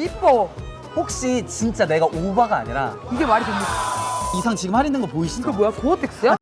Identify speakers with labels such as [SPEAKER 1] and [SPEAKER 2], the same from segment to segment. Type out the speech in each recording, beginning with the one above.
[SPEAKER 1] 이뻐.
[SPEAKER 2] 혹시 진짜 내가 오바가 아니라
[SPEAKER 1] 이게 말이 됩니까?
[SPEAKER 2] 이상 지금 할인된 거 보이시죠?
[SPEAKER 1] 이거 뭐야? 고어텍스야?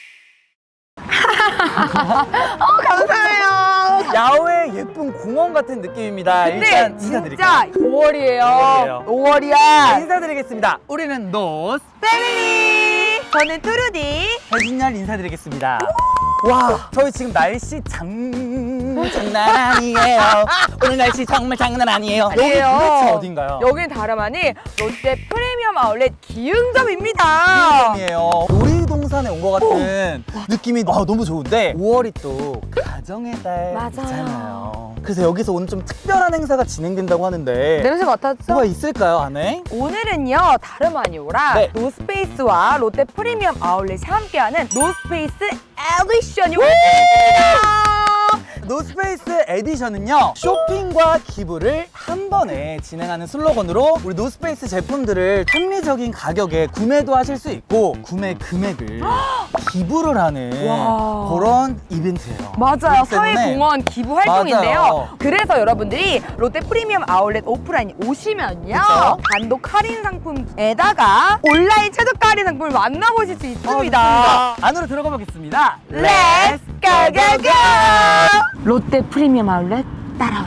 [SPEAKER 1] 감사해요.
[SPEAKER 2] 야외 예쁜 공원 같은 느낌입니다.
[SPEAKER 1] 근데
[SPEAKER 2] 일단
[SPEAKER 1] 진짜
[SPEAKER 2] 인사드릴게요.
[SPEAKER 1] 5월이에요.
[SPEAKER 2] 5월이에요.
[SPEAKER 1] 5월이야.
[SPEAKER 2] 인사드리겠습니다. 우리는 노스
[SPEAKER 1] 패밀리. 저는 뚜루디.
[SPEAKER 2] 배진열 인사드리겠습니다. 와, 저희 지금 날씨 장난 아니에요. 오늘 날씨 정말 장난 아니에요. 여기 도대체 어딘가요?
[SPEAKER 1] 여기는 다름 아닌 롯데 프리미엄 아울렛 기흥점입니다.
[SPEAKER 2] 기흥점이에요. 놀이동산에 온 것 같은 느낌이 너무 좋은데 5월이 또 가정의 달이잖아요. 그래서 여기서 오늘 좀 특별한 행사가 진행된다고 하는데
[SPEAKER 1] 냄새 맡았죠?
[SPEAKER 2] 뭐가 있을까요, 안에?
[SPEAKER 1] 오늘은요 다름 아니오라
[SPEAKER 2] 네.
[SPEAKER 1] 노스페이스와 롯데 프리미엄 아울렛이 함께하는 노스페이스 에디션이 왔습니다.
[SPEAKER 2] 노스페이스 에디션은요 쇼핑과 기부를 한 번에 진행하는 슬로건으로 우리 노스페이스 제품들을 합리적인 가격에 구매도 하실 수 있고 구매 금액을 기부를 하는
[SPEAKER 1] 와.
[SPEAKER 2] 그런 이벤트예요.
[SPEAKER 1] 맞아요.
[SPEAKER 2] 그렇기 때문에
[SPEAKER 1] 사회공헌 기부 활동인데요.
[SPEAKER 2] 맞아요.
[SPEAKER 1] 그래서 여러분들이 롯데 프리미엄 아울렛 오프라인 오시면요
[SPEAKER 2] 그쵸?
[SPEAKER 1] 단독 할인 상품에다가 온라인 최저가 할인 상품을 만나보실 수 있습니다.
[SPEAKER 2] 좋습니다. 안으로 들어가 보겠습니다.
[SPEAKER 1] Let's go go go! 롯데 프리미엄 아울렛 따라와.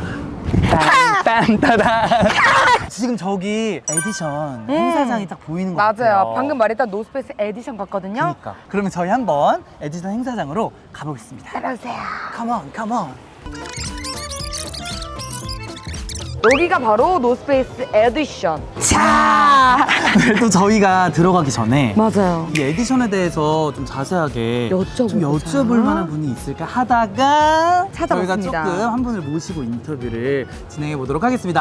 [SPEAKER 2] 딴따단. 지금 저기 에디션 행사장이 딱 보이는 것 같아요.
[SPEAKER 1] 맞아요. 방금 말했던 노스페이스 에디션 같거든요.
[SPEAKER 2] 그러니까. 그러면 저희 한번 에디션 행사장으로 가보겠습니다.
[SPEAKER 1] 따라오세요.
[SPEAKER 2] Come on, come on.
[SPEAKER 1] 여기가 바로 노스페이스 에디션. 자.
[SPEAKER 2] 또 저희가 들어가기 전에
[SPEAKER 1] 맞아요.
[SPEAKER 2] 이 에디션에 대해서 좀 자세하게 좀
[SPEAKER 1] 여쭤보자.
[SPEAKER 2] 여쭤볼 만한 분이 있을까 하다가
[SPEAKER 1] 찾아봤습니다.
[SPEAKER 2] 저희가 조금 한 분을 모시고 인터뷰를 진행해 보도록 하겠습니다.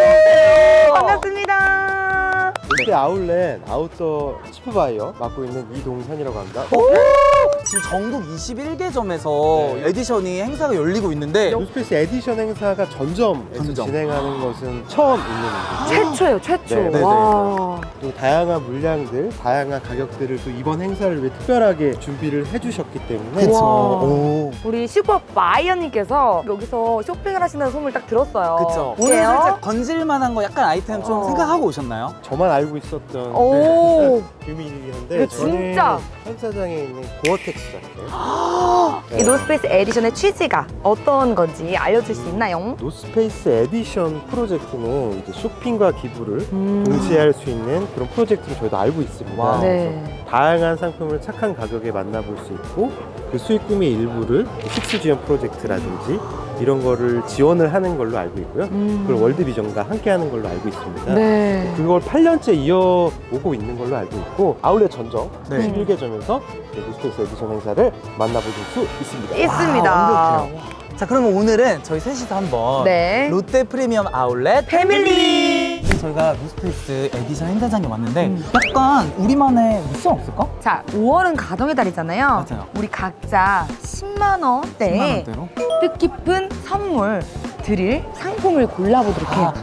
[SPEAKER 1] 반갑습니다.
[SPEAKER 3] 롯데 아울렛 아웃도어 치프바이어 맡고 있는 이동현이라고 합니다.
[SPEAKER 2] 지금 전국 21개점에서
[SPEAKER 3] 네.
[SPEAKER 2] 에디션이 행사가 열리고 있는데
[SPEAKER 3] 노스페이스 에디션 행사가 전점에서
[SPEAKER 2] 전점.
[SPEAKER 3] 진행하는 것은 처음 있는 일이죠.
[SPEAKER 1] 최초예요, 최초.
[SPEAKER 3] 네, 네, 네.
[SPEAKER 1] 와.
[SPEAKER 3] 또 다양한 물량들, 다양한 가격들을 또 이번 행사를 위해 특별하게 준비를 해주셨기 때문에
[SPEAKER 1] 그쵸.
[SPEAKER 2] 오.
[SPEAKER 1] 우리 슈퍼 바이어님께서 여기서 쇼핑을 하신다는 소문을 딱 들었어요.
[SPEAKER 2] 그쵸. 오늘
[SPEAKER 1] 어때요?
[SPEAKER 2] 살짝 건질 만한 거 약간 아이템 좀 생각하고 오셨나요?
[SPEAKER 3] 저만 알고 있었던
[SPEAKER 1] 오.
[SPEAKER 3] 비밀이었는데
[SPEAKER 1] 이거 진짜.
[SPEAKER 3] 저는 행사장에 있는 고어텍스 자켓
[SPEAKER 1] 이 노스페이스 에디션의 취지가 어떤 건지 알려줄 수 있나요?
[SPEAKER 3] 노스페이스 에디션 프로젝트는 이제 쇼핑과 기부를 동시에 할 수 있는 그런 프로젝트로 저희도 알고 있습니다.
[SPEAKER 2] 와우.
[SPEAKER 1] 네.
[SPEAKER 3] 다양한 상품을 착한 가격에 만나볼 수 있고 그 수익금의 일부를 식수 지원 프로젝트라든지 이런 거를 지원을 하는 걸로 알고 있고요. 그걸 월드비전과 함께 하는 걸로 알고 있습니다.
[SPEAKER 1] 네.
[SPEAKER 3] 그걸 8년째 이어오고 있는 걸로 알고 있고 아울렛 전점
[SPEAKER 2] 네.
[SPEAKER 3] 11개점에서 노스페이스 에디션 행사를 만나보실 수 있습니다.
[SPEAKER 1] 있습니다.
[SPEAKER 2] 완벽해요. 자, 그러면 오늘은 저희 셋이서 한번
[SPEAKER 1] 네.
[SPEAKER 2] 롯데 프리미엄 아울렛
[SPEAKER 1] 패밀리.
[SPEAKER 2] 저희가 노스페이스 에디션 행사장에 왔는데 약간 우리만의 미션 없을까?
[SPEAKER 1] 자, 5월은 가정의 달이잖아요.
[SPEAKER 2] 맞아요.
[SPEAKER 1] 우리 각자 10만 원대의
[SPEAKER 2] 10만 원대로?
[SPEAKER 1] 뜻깊은 선물 드릴 상품을 골라보도록 해요.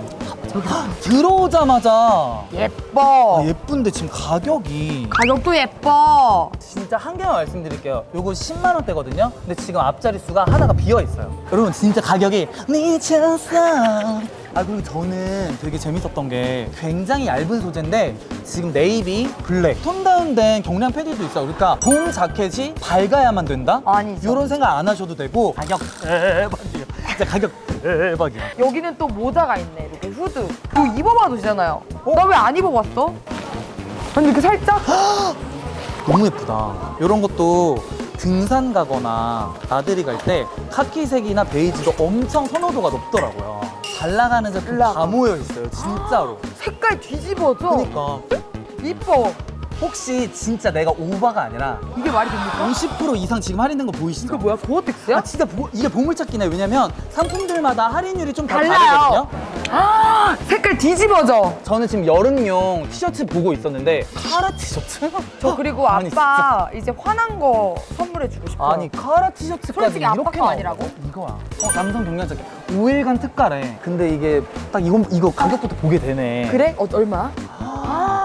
[SPEAKER 2] 들어오자마자
[SPEAKER 1] 예뻐.
[SPEAKER 2] 예쁜데 지금 가격이
[SPEAKER 1] 가격도 예뻐.
[SPEAKER 2] 진짜 한 개만 말씀드릴게요. 요거 10만 원대거든요. 근데 지금 앞자리 수가 하나가 비어 있어요. 여러분 진짜 가격이 미쳤어. 아, 그리고 저는 되게 재밌었던 게 굉장히 얇은 소재인데 지금 네이비, 블랙, 톤 다운된 경량 패디도 있어요. 그러니까 봄 자켓이 밝아야만 된다?
[SPEAKER 1] 아니죠.
[SPEAKER 2] 이런 생각 안 하셔도 되고 가격 대박이에요. 진짜 가격 대박이야.
[SPEAKER 1] 여기는 또 모자가 있네. 이렇게 후드. 이거 입어봐도 되잖아요. 나 왜 안 입어봤어? 아니 이렇게 살짝?
[SPEAKER 2] 너무 예쁘다. 이런 것도 등산 가거나 나들이 갈 때 카키색이나 베이지도 엄청 선호도가 높더라고요. 잘 나가는 제품
[SPEAKER 1] 올라가.
[SPEAKER 2] 다 모여 있어요, 진짜로.
[SPEAKER 1] 색깔 뒤집어져.
[SPEAKER 2] 그러니까
[SPEAKER 1] 이뻐.
[SPEAKER 2] 혹시 진짜 내가 오바가 아니라
[SPEAKER 1] 이게 말이 됩니까?
[SPEAKER 2] 50% 이상 지금 할인된 거 보이시죠?
[SPEAKER 1] 이거 뭐야? 고어텍스야?
[SPEAKER 2] 아, 진짜 이게 보물찾기네. 왜냐면 상품들마다 할인율이 좀 다
[SPEAKER 1] 달라요.
[SPEAKER 2] 다르거든요.
[SPEAKER 1] 아, 색깔 뒤집어져.
[SPEAKER 2] 저는 지금 여름용 티셔츠 보고 있었는데 카라 티셔츠?
[SPEAKER 1] 저 그리고
[SPEAKER 2] 아니,
[SPEAKER 1] 아빠 이제 화난 거 선물해주고 싶어요.
[SPEAKER 2] 아니 카라 티셔츠까지
[SPEAKER 1] 솔직히 아빠
[SPEAKER 2] 이렇게
[SPEAKER 1] 거
[SPEAKER 2] 나와.
[SPEAKER 1] 아니라고?
[SPEAKER 2] 이거야. 남성 경량 자켓 5일간 특가래. 근데 이게 딱 이거 가격부터 보게 되네.
[SPEAKER 1] 그래? 얼마?
[SPEAKER 2] 아,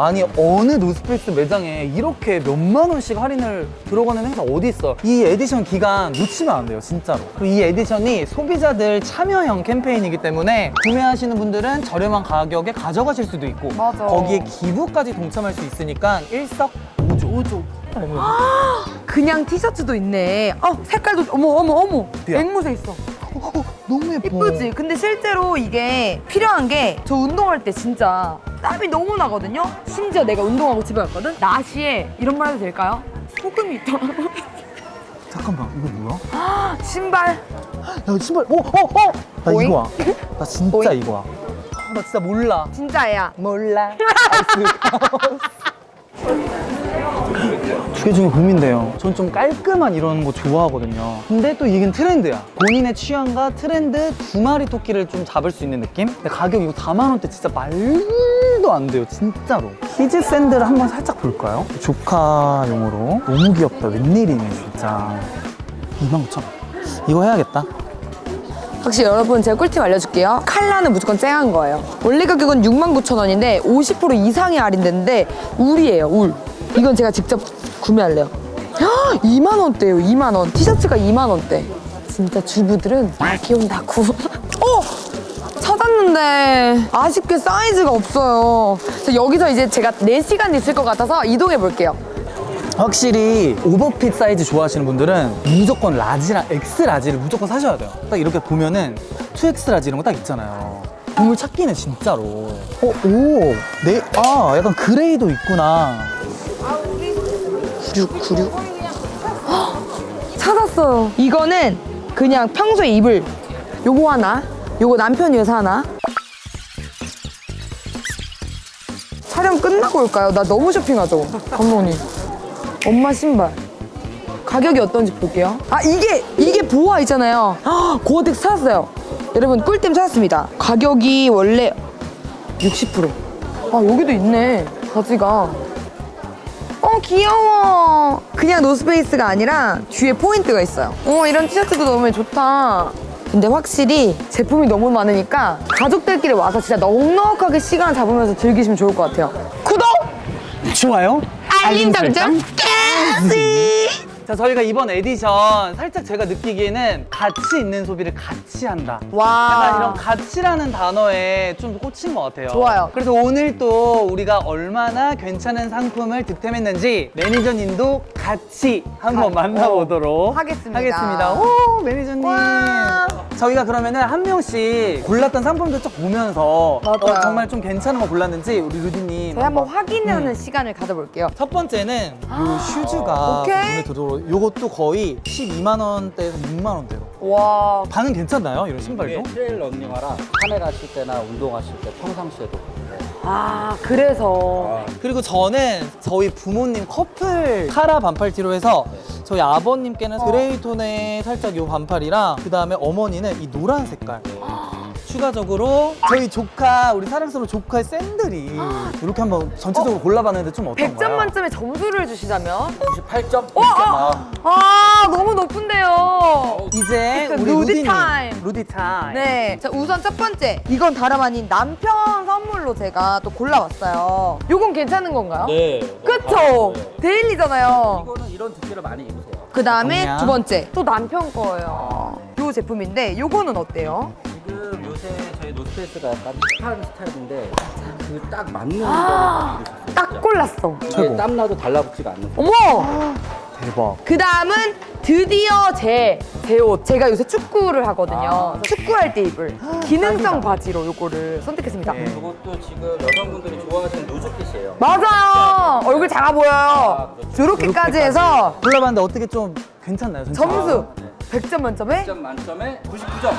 [SPEAKER 2] 아니 어느 노스페이스 매장에 이렇게 몇만 원씩 할인을 들어가는 행사 어디 있어? 이 에디션 기간 놓치면 안 돼요, 진짜로. 그리고 이 에디션이 소비자들 참여형 캠페인이기 때문에 구매하시는 분들은 저렴한 가격에 가져가실 수도 있고
[SPEAKER 1] 맞아.
[SPEAKER 2] 거기에 기부까지 동참할 수 있으니까 일석오조.
[SPEAKER 1] 그냥 티셔츠도 있네. 색깔도 어머.
[SPEAKER 2] 야.
[SPEAKER 1] 앵무새 있어.
[SPEAKER 2] 너무 예뻐.
[SPEAKER 1] 이쁘지? 근데 실제로 이게 필요한 게 저 운동할 때 진짜 땀이 너무 나거든요? 심지어 내가 운동하고 집에 갔거든? 나시에 이런 말 해도 될까요? 소금이 있더라고.
[SPEAKER 2] 잠깐만, 이거 뭐야?
[SPEAKER 1] 신발.
[SPEAKER 2] 야, 신발. 나
[SPEAKER 1] 오잉?
[SPEAKER 2] 이거야. 나 진짜
[SPEAKER 1] 오잉?
[SPEAKER 2] 이거야. 나 진짜 몰라.
[SPEAKER 1] 진짜야.
[SPEAKER 2] 몰라. 두 개 중에 고민돼요. 전 좀 깔끔한 이런 거 좋아하거든요. 근데 또 이건 트렌드야. 본인의 취향과 트렌드 두 마리 토끼를 좀 잡을 수 있는 느낌? 근데 가격 이거 4만 원대 진짜 말도 안 돼요, 진짜로. 키즈 샌들 한번 살짝 볼까요? 조카용으로. 너무 귀엽다. 웬일이네, 진짜. 29,000원. 이거 해야겠다.
[SPEAKER 1] 확실히 여러분 제가 꿀팁 알려줄게요. 컬러는 무조건 쨍한 거예요. 원래 가격은 69,000원인데 50% 이상이 할인되는데 울이에요, 울. 이건 제가 직접 구매할래요. 2만 원대예요, 2만 원. 티셔츠가 2만 원대. 진짜 주부들은 날 키운다고. 찾았는데 아쉽게 사이즈가 없어요. 그래서 여기서 이제 제가 4시간 있을 것 같아서 이동해 볼게요.
[SPEAKER 2] 확실히 오버핏 사이즈 좋아하시는 분들은 무조건 라지랑 X라지를 무조건 사셔야 돼요. 딱 이렇게 보면은 2X 라지 이런 거 딱 있잖아요. 보물 찾기는 진짜로. 약간 그레이도 있구나.
[SPEAKER 1] 96. 찾았어요. 이거는 그냥 평소에 입을 요거 하나, 요거 남편 위해서 하나. 촬영 끝나고 올까요? 나 너무 쇼핑하죠, 감독님. 엄마 신발. 가격이 어떤지 볼게요. 이게 보아 있잖아요. 고어텍스 찾았어요. 여러분 꿀템 찾았습니다. 가격이 원래 60%. 여기도 있네, 바지가. 귀여워. 그냥 노스페이스가 아니라 뒤에 포인트가 있어요. 이런 티셔츠도 너무 좋다. 근데 확실히 제품이 너무 많으니까 가족들끼리 와서 진짜 넉넉하게 시간 잡으면서 즐기시면 좋을 것 같아요. 구독!
[SPEAKER 2] 좋아요.
[SPEAKER 1] 알림 설정까지!
[SPEAKER 2] 자, 저희가 이번 에디션 살짝 제가 느끼기에는 가치 있는 소비를 같이 한다. 약간 이런 가치라는 단어에 좀 꽂힌 것 같아요.
[SPEAKER 1] 좋아요.
[SPEAKER 2] 그래서 오늘 또 우리가 얼마나 괜찮은 상품을 득템했는지 매니저님도 같이 한번 만나보도록
[SPEAKER 1] 하겠습니다.
[SPEAKER 2] 오, 매니저님.
[SPEAKER 1] 와.
[SPEAKER 2] 저희가 그러면은 한 명씩 골랐던 상품들 쭉 보면서
[SPEAKER 1] 맞아요.
[SPEAKER 2] 정말 좀 괜찮은 거 골랐는지 우리 루디님
[SPEAKER 1] 제가 한번 확인하는 시간을 가져볼게요.
[SPEAKER 2] 첫 번째는 요 슈즈가
[SPEAKER 1] 오케이.
[SPEAKER 2] 눈에 들어오고 요것도 거의 12만 원대에서 6만 원대로.
[SPEAKER 1] 와.
[SPEAKER 2] 반응 괜찮나요? 이런 신발도?
[SPEAKER 4] 이게 트레일 런닝화라 산에 가실 때나 운동하실 때 평상시에도
[SPEAKER 1] 그래서.
[SPEAKER 2] 그리고 저는 저희 부모님 커플 카라 반팔티로 해서 저희 아버님께는 그레이 톤의 살짝 요 반팔이랑 그 다음에 어머니는 이 노란 색깔. 추가적으로 저희 조카, 우리 사랑스러운 조카의 샌들이 이렇게 한번 전체적으로 골라봤는데 좀 어떤가요?
[SPEAKER 1] 100점 만점에 점수를 주시자면?
[SPEAKER 4] 98점?
[SPEAKER 1] 너무 높은데요.
[SPEAKER 2] 이제
[SPEAKER 1] 약간
[SPEAKER 2] 우리
[SPEAKER 1] 루디
[SPEAKER 2] 루디님
[SPEAKER 1] 타임.
[SPEAKER 2] 루디 타임.
[SPEAKER 1] 네. 자, 우선 첫 번째. 이건 다름 아닌 남편 선물로 제가 또 골라왔어요. 요건 괜찮은 건가요?
[SPEAKER 4] 네.
[SPEAKER 1] 그쵸?
[SPEAKER 4] 네.
[SPEAKER 1] 데일리잖아요.
[SPEAKER 4] 이거는 이런 두께를 많이 입으세요.
[SPEAKER 1] 그 다음에
[SPEAKER 2] 정량.
[SPEAKER 1] 두 번째. 또 남편 거예요. 요 제품인데 요거는 어때요?
[SPEAKER 4] 지금 요새 저희 노스페이스가 약간 힙한 스타일인데 그 딱 맞는 거를 입으셨어요.
[SPEAKER 1] 딱 골랐어.
[SPEAKER 2] 최고.
[SPEAKER 4] 이게 땀나도 달라붙지가 않는
[SPEAKER 1] 어머!
[SPEAKER 2] 대박.
[SPEAKER 1] 그 다음은 드디어 제 옷. 제가 요새 축구를 하거든요. 축구할 때 입을 기능성 바지로 요거를 선택했습니다.
[SPEAKER 2] 네.
[SPEAKER 4] 이것도 지금 여성분들이 좋아하시는 루즈핏이에요.
[SPEAKER 1] 맞아요! 얼굴 작아 보여요. 저렇게까지 해서
[SPEAKER 2] 골라봤는데 어떻게 좀 괜찮나요? 전체?
[SPEAKER 1] 점수
[SPEAKER 4] 네.
[SPEAKER 1] 100점 만점에
[SPEAKER 4] 100점 만점에 99점.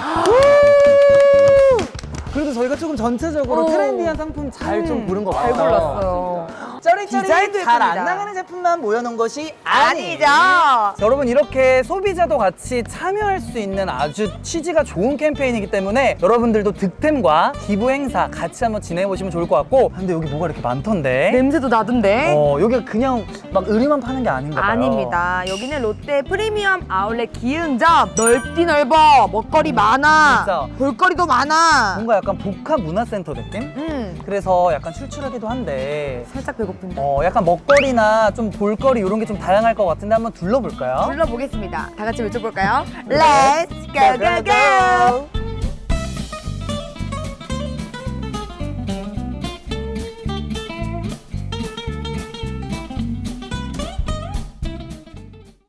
[SPEAKER 2] 그래도 저희가 조금 전체적으로
[SPEAKER 1] 오.
[SPEAKER 2] 트렌디한 상품 잘 좀 고른 것
[SPEAKER 1] 잘
[SPEAKER 2] 같아요.
[SPEAKER 1] 골랐어요.
[SPEAKER 2] 쩌리쩌리
[SPEAKER 1] 디자인도
[SPEAKER 2] 잘 안
[SPEAKER 1] 예쁩니다.
[SPEAKER 2] 나가는 제품만 모여놓은 것이
[SPEAKER 1] 아니죠.
[SPEAKER 2] 여러분 이렇게 소비자도 같이 참여할 수 있는 아주 취지가 좋은 캠페인이기 때문에 여러분들도 득템과 기부 행사 같이 한번 진행해보시면 좋을 것 같고 근데 여기 뭐가 이렇게 많던데?
[SPEAKER 1] 냄새도 나던데?
[SPEAKER 2] 여기가 그냥 막 의류만 파는 게 아닌가 봐요.
[SPEAKER 1] 아닙니다. 여기는 롯데 프리미엄 아울렛 기흥점. 넓디 넓어. 먹거리 많아.
[SPEAKER 2] 진짜.
[SPEAKER 1] 볼거리도 많아.
[SPEAKER 2] 뭔가 약간 복합 문화센터 느낌? 그래서 약간 출출하기도 한데
[SPEAKER 1] 살짝 배고픈데.
[SPEAKER 2] 약간 먹거리나 좀 볼거리 이런 게 좀 다양할 것 같은데 한번 둘러볼까요?
[SPEAKER 1] 불러보겠습니다. 다 같이 외쳐볼까요? Let's go go go!